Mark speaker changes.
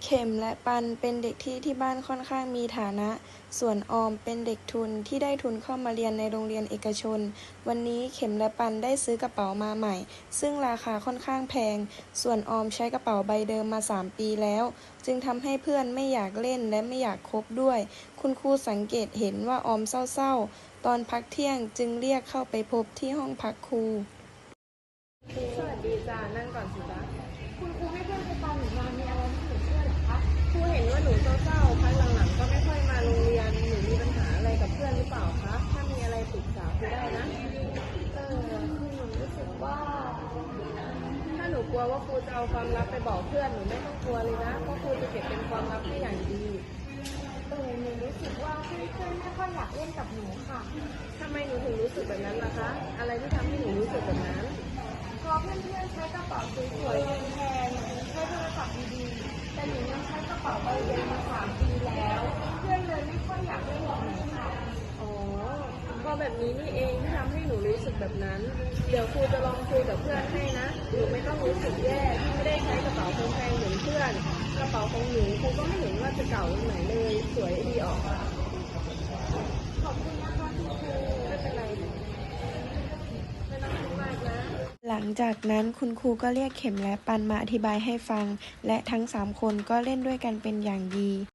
Speaker 1: เข็มและปันเป็นเด็กที่บ้านค่อนข้างมีฐานะ ส่วนออมเป็นเด็กทุนที่ได้ทุนเข้ามาเรียนในโรงเรียนเอกชน วันนี้เข็มและปันได้ซื้อกระเป๋ามาใหม่ ซึ่งราคาค่อนข้างแพง ส่วนออมใช้กระเป๋าใบเดิมมา3 ปีแล้ว จึงทำให้เพื่อนไม่อยากเล่นและไม่อยากคบด้วย คุณครูสังเกตเห็นว่าออมเศร้าๆ ตอนพักเที่ยงจึงเรียกเข้าไปพบที่ห้องพักครู
Speaker 2: สวัสดีจ้านั่งก่อนสิจ๊ะ
Speaker 3: คุณครูให้เพื่อนไปตามหนูมามีอะไรให้หนูช่วยเหรอคะ
Speaker 2: ครูเห็นว่าหนูเศร้าๆพักหลังๆก็ไม่ค่อยมาโรงเรียนหนูมีปัญหาอะไรกับเพื่อนหรือเปล่าคะถ้ามีอะไรปรึกษาครูได้นะ
Speaker 3: คือหนูรู้สึกว่า
Speaker 2: ถ้าหนูกลัวว่าครูจะเอาความลับไปบอกเพื่อนหนูไม่ต้องกลัวเลยนะเพราะครูจะเก็บเป็นความลับให้อย่างดี
Speaker 3: หนูรู้สึกว่าเพื่อนๆไม่ค่อยอยากเล่นกับหนูค่ะ
Speaker 2: ทำไมหนูถึงรู้สึกแบบนั้นล่ะคะอะไรที่ทำให้หนูรู้สึกแบบนั้น
Speaker 3: พอเพื่อนๆใช้กระเป๋าสวยๆแพงๆใช้โทรศัพท์ดีๆแต่หนูยังใช้กระเป๋าใบเดิมมา3 ปีแล้วเพื่อนเลยไม่ค่อยอยากเล่นกับหนูค่ะ
Speaker 2: อ๋อเพราะแบบนี้นี่เองที่ทำให้หนูรู้สึกแบบนั้นเดี๋ยวครูจะลองคุยกับเพื่อนให้นะหนูไม่ต้องรู้สึกแย่ที่ไม่ได้ใช้กระเป๋าแพงๆเหมือนเพื่อนกระเป๋าของหนูครูก็ไม่เห็นว่าจะเก่าตรงไหนเลยสวยดีออก
Speaker 3: ขอบคุณนะคะคุณครู
Speaker 2: ไม่เป็นไรไม่ต้องคิดมากนะ
Speaker 1: หลังจากนั้นคุณครูก็เรียกเข็มและปันมาอธิบายให้ฟัง และทั้ง3 คนก็เล่นด้วยกันเป็นอย่างดี